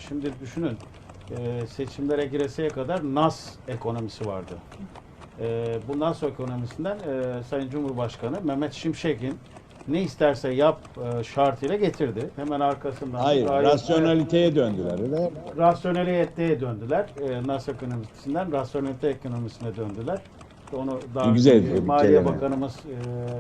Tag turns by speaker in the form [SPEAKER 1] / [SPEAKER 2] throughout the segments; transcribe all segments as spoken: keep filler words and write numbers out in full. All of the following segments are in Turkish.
[SPEAKER 1] şimdi düşünün, e, seçimlere gireseye kadar Nas ekonomisi vardı. E, bu Nas ekonomisinden e, Sayın Cumhurbaşkanı Mehmet Şimşek'in ne isterse yap e, şartıyla getirdi. Hemen arkasından
[SPEAKER 2] Hayır,
[SPEAKER 1] gayet-
[SPEAKER 2] rasyonaliteye döndüler öyle mi?
[SPEAKER 1] rasyoneliteye döndüler. E, Nas ekonomisinden rasyonelite ekonomisine döndüler. Onu daha
[SPEAKER 2] Güzel
[SPEAKER 1] önce
[SPEAKER 2] bir
[SPEAKER 1] Maliye
[SPEAKER 2] kelime.
[SPEAKER 1] Bakanımız e,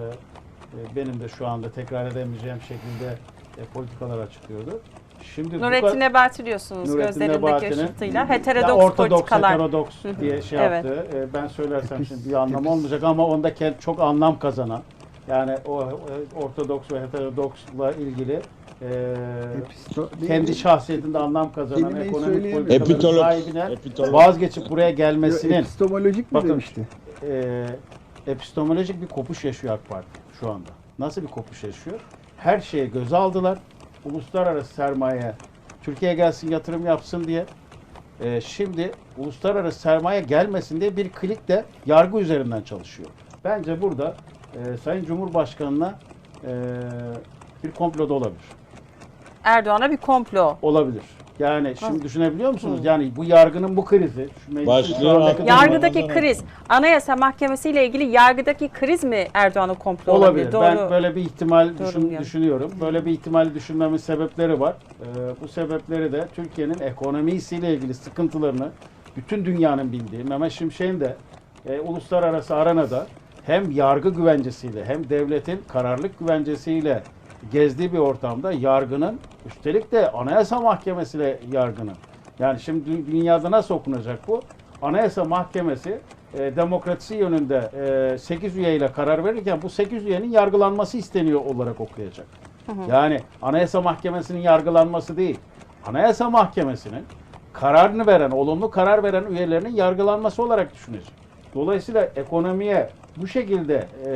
[SPEAKER 1] e, benim de şu anda tekrar edemeyeceğim şekilde e, politikalar açıklıyordu. Şimdi bu
[SPEAKER 3] Nurettin
[SPEAKER 1] kadar-
[SPEAKER 3] Nebati diyorsunuz
[SPEAKER 1] Nurettin
[SPEAKER 3] gözlerindeki
[SPEAKER 1] Nebati'nin
[SPEAKER 3] ışıltıyla.
[SPEAKER 1] ya
[SPEAKER 3] Heterodoks
[SPEAKER 1] ortodoks,
[SPEAKER 3] politikalar.
[SPEAKER 1] heterodoks diye şey
[SPEAKER 3] Evet.
[SPEAKER 1] yaptı. E, ben söylersem
[SPEAKER 4] Epis-
[SPEAKER 1] şimdi bir anlam
[SPEAKER 4] epis-
[SPEAKER 1] olmayacak ama onda kend- çok anlam kazanan, yani o e, ortodoks ve heterodoksla ilgili e,
[SPEAKER 4] Episto-
[SPEAKER 1] kendi şahsiyetinde anlam kazanan
[SPEAKER 4] Kelimeyi
[SPEAKER 1] ekonomik
[SPEAKER 4] söyleyemiyorum.
[SPEAKER 1] politikaların
[SPEAKER 2] Epitolog.
[SPEAKER 1] sahibine
[SPEAKER 2] Epitolog.
[SPEAKER 1] vazgeçip buraya gelmesinin
[SPEAKER 4] Epistemolojik mi
[SPEAKER 1] Bakın,
[SPEAKER 4] demişti?
[SPEAKER 1] e, epistemolojik bir kopuş yaşıyor AK Parti şu anda. Nasıl bir kopuş yaşıyor? Her şeye göze aldılar. Uluslararası sermaye Türkiye'ye gelsin, yatırım yapsın diye. E, şimdi uluslararası sermaye gelmesin diye bir klik de yargı üzerinden çalışıyor. Bence burada e, Sayın Cumhurbaşkanı'na e, bir komplo da olabilir.
[SPEAKER 3] Erdoğan'a bir komplo.
[SPEAKER 1] Olabilir. Yani şimdi
[SPEAKER 3] Nasıl?
[SPEAKER 1] düşünebiliyor musunuz? Yani bu yargının bu krizi, şu meclisin
[SPEAKER 2] Başlığı
[SPEAKER 1] şu andaki
[SPEAKER 2] atın.
[SPEAKER 1] durumu-
[SPEAKER 3] Yargıdaki
[SPEAKER 2] Ramazan
[SPEAKER 3] kriz, Anayasa Mahkemesi ile ilgili yargıdaki kriz mi Erdoğan'a komplo olabilir?
[SPEAKER 1] olabilir.
[SPEAKER 3] Doğru.
[SPEAKER 1] Ben böyle bir ihtimal düşün-
[SPEAKER 3] Yorumluyorum.
[SPEAKER 1] düşünüyorum. Böyle bir ihtimali düşünmemin sebepleri var. Ee, bu sebepleri de Türkiye'nin ekonomisiyle ilgili sıkıntılarını bütün dünyanın bildiği, Mehmet Şimşek'in de e, uluslararası arenada hem yargı güvencesiyle hem devletin kararlılık güvencesiyle gezdiği bir ortamda yargının, üstelik de Anayasa Mahkemesi'yle yargının. Yani şimdi dü- dünyada nasıl okunacak bu? Anayasa Mahkemesi e, demokrasi yönünde e, sekiz üyeyle karar verirken bu sekiz üyenin yargılanması isteniyor olarak okuyacak. Yani Anayasa Mahkemesi'nin yargılanması değil, Anayasa Mahkemesi'nin kararını veren, olumlu karar veren üyelerinin yargılanması olarak düşünecek. Dolayısıyla ekonomiye bu şekilde e,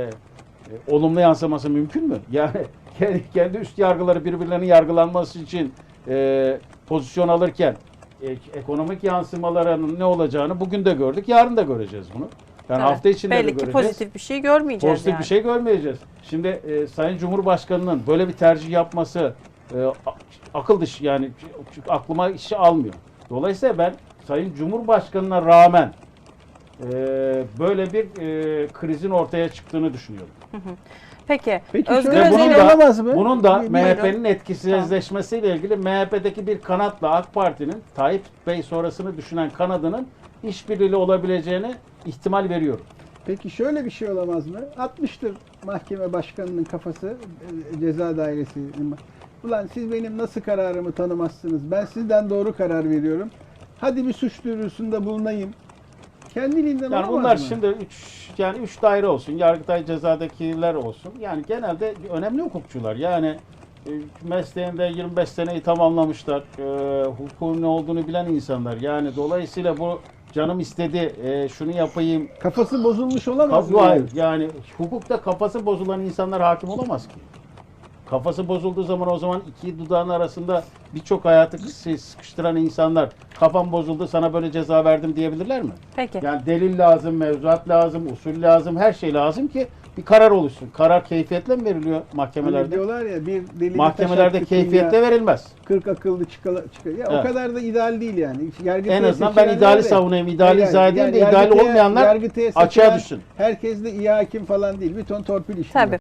[SPEAKER 1] e, olumlu yansıması mümkün mü? Yani kendi, kendi üst yargıları birbirlerinin yargılanması için e, pozisyon alırken e, ekonomik yansımalarının ne olacağını bugün de gördük, yarın da göreceğiz bunu. Yani
[SPEAKER 3] Evet.
[SPEAKER 1] hafta içinde de
[SPEAKER 3] Belli ki
[SPEAKER 1] göreceğiz.
[SPEAKER 3] pozitif bir şey görmeyeceğiz
[SPEAKER 1] Pozitif
[SPEAKER 3] yani.
[SPEAKER 1] bir şey görmeyeceğiz. Şimdi e, Sayın Cumhurbaşkanı'nın böyle bir tercih yapması e, a- akıl dışı, yani ç- aklıma işi almıyor. Dolayısıyla ben Sayın Cumhurbaşkanı'na rağmen e, böyle bir e, krizin ortaya çıktığını düşünüyorum.
[SPEAKER 3] Peki,
[SPEAKER 4] Peki
[SPEAKER 3] Özgür
[SPEAKER 4] şöyle
[SPEAKER 1] Ve bunun
[SPEAKER 3] Özel'in
[SPEAKER 1] da,
[SPEAKER 4] olamaz mı?
[SPEAKER 1] bunun da
[SPEAKER 4] Bir-
[SPEAKER 1] M H P'nin etkisizleşmesiyle ilgili M H P'deki bir kanatla AK Parti'nin Tayyip Bey sonrasını düşünen kanadının işbirliği olabileceğini ihtimal veriyorum.
[SPEAKER 4] Peki şöyle bir şey olamaz mı? Atmıştır mahkeme başkanının kafası e, ceza dairesinin. Ulan siz benim nasıl kararımı tanımazsınız? Ben sizden doğru karar veriyorum. Hadi bir suç duyurusunda bulunayım. Kendiliğinden
[SPEAKER 1] Yani
[SPEAKER 4] olamaz
[SPEAKER 1] bunlar
[SPEAKER 4] mı?
[SPEAKER 1] şimdi üç, yani üç daire olsun, Yargıtay cezadakiler olsun. Yani genelde önemli hukukçular. Yani e, mesleğinde yirmi beş seneyi tamamlamışlar. E, hukukun ne olduğunu bilen insanlar. Yani dolayısıyla bu canım istedi, e, şunu yapayım.
[SPEAKER 4] Kafası bozulmuş olamaz mı?
[SPEAKER 1] Kaf- hayır. Yani hukukta kafası bozulan insanlar hakim olamaz ki. Kafası bozulduğu zaman o zaman iki dudağın arasında birçok hayatı sıkı- sıkıştıran insanlar kafam bozuldu sana böyle ceza verdim diyebilirler mi?
[SPEAKER 3] Peki.
[SPEAKER 1] Yani delil lazım, mevzuat lazım, usul lazım, her şey lazım ki bir karar oluşsun. Karar keyfiyetle mi veriliyor
[SPEAKER 4] Hani
[SPEAKER 1] mahkemelerde?
[SPEAKER 4] diyorlar ya bir deli
[SPEAKER 1] Mahkemelerde keyfiyetle verilmez.
[SPEAKER 4] kırk akıllı çıkala, çıkar. Ya
[SPEAKER 1] Evet.
[SPEAKER 4] o kadar da ideal değil yani. Yargıtay'a
[SPEAKER 1] En azından ben
[SPEAKER 4] seçilenler
[SPEAKER 1] ideali
[SPEAKER 4] de-
[SPEAKER 1] savunayım, ideali
[SPEAKER 4] Yani-
[SPEAKER 1] izah edeyim
[SPEAKER 4] yani
[SPEAKER 1] de ideali
[SPEAKER 4] yargıtaya-
[SPEAKER 1] olmayanlar
[SPEAKER 4] yargıtaya
[SPEAKER 1] açığa
[SPEAKER 4] seçilen
[SPEAKER 1] düşsün.
[SPEAKER 4] Herkes de iyi hakim falan değil. Bir ton torpil işliyor.
[SPEAKER 3] Tabii.